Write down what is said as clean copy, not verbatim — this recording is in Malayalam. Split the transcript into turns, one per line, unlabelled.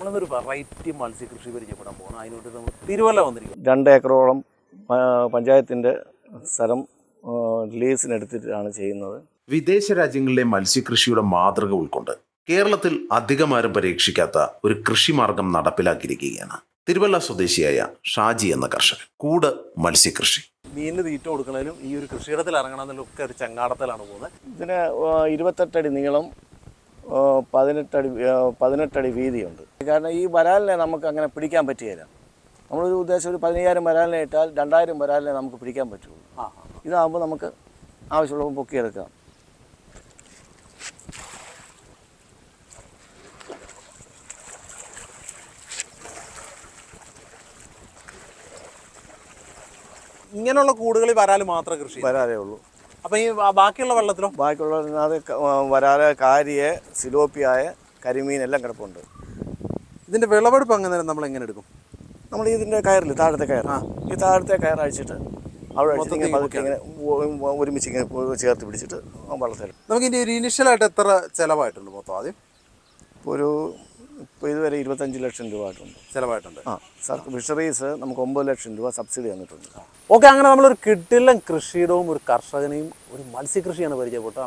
നമ്മളൊരു വെറൈറ്റി മത്സ്യകൃഷി പരിചയപ്പെടാൻ പോകണം. അതിനോട്ട് നമ്മൾ തിരുവല്ല വന്നിരിക്കും.
2 ഏക്കറോളം പഞ്ചായത്തിൻ്റെ സ്ഥലം ലീസിനെടുത്തിട്ടാണ് ചെയ്യുന്നത്.
വിദേശ രാജ്യങ്ങളിലെ മത്സ്യകൃഷിയുടെ മാതൃക ഉൾക്കൊണ്ട് കേരളത്തിൽ അധികമാരും പരീക്ഷിക്കാത്ത ഒരു കൃഷിമാർഗം നടപ്പിലാക്കിയിരിക്കുകയാണ് തിരുവല്ല സ്വദേശിയായ ഷാജി എന്ന കർഷകൻ. കൂട് മത്സ്യകൃഷി.
മീനിന് തീറ്റ കൊടുക്കണതിലും ഈ ഒരു കൃഷിയിടത്തിൽ ഇറങ്ങണം എന്നൊക്കെ ഒരു ചങ്ങാടത്തിലാണ് പോകുന്നത്.
ഇതിന് 28 അടി നീളം, 18 അടി വീതിയുണ്ട്. കാരണം ഈ വരാലിനെ നമുക്ക് അങ്ങനെ പിടിക്കാൻ പറ്റുകയില്ല. നമ്മളൊരു ഉദ്ദേശം ഒരു 15,000 വരാലിനെ ഇട്ടാൽ 2,000 വരാലിനെ നമുക്ക് പിടിക്കാൻ പറ്റുള്ളൂ. ഇതാകുമ്പോൾ നമുക്ക് ആവശ്യമുള്ളപ്പോൾ പൊക്കിയെടുക്കാം.
ഇങ്ങനെയുള്ള കൂടുകളിൽ വരാല് മാത്രമേ കൃഷി
വരാലേ ഉള്ളൂ.
അപ്പം ഈ ബാക്കിയുള്ള വെള്ളത്തിലോ?
ബാക്കിയുള്ള അത് വരാല്, കാരിയെ, സിലോപ്പിയായ, കരിമീൻ എല്ലാം കിടപ്പുണ്ട്.
ഇതിൻ്റെ വിളവെടുപ്പ് അങ്ങനെ നമ്മൾ എങ്ങനെ എടുക്കും?
നമ്മൾ ഇതിൻ്റെ കയറിൽ താഴത്തെ കയർ, ഈ താഴത്തെ കയർ അഴിച്ചിട്ട് അവിടെ അഴിച്ചിട്ട് ഇങ്ങനെ പതുക്കെ ഇങ്ങനെ ഒരുമിച്ച് ഇങ്ങനെ ചേർത്ത് പിടിച്ചിട്ട് വള്ളത്തിൽ.
നമുക്ക് ഇനി ഒരു ഇനിഷ്യലായിട്ട് എത്ര ചിലവായിട്ടുണ്ട് മൊത്തം? ആദ്യം
ഇപ്പോൾ ഇതുവരെ 25 ലക്ഷം രൂപ ആയിട്ടുണ്ട്
ചിലവായിട്ടുണ്ട്.
ഫിഷറീസ് നമുക്ക് 9 ലക്ഷം രൂപ സബ്സിഡി തന്നിട്ടുണ്ട്.
ഓക്കെ, അങ്ങനെ നമ്മളൊരു കിടിലൻ കൃഷിയിടവും ഒരു കർഷകനെയും ഒരു മത്സ്യകൃഷിയാണ് പരിചയപ്പെട്ടത്.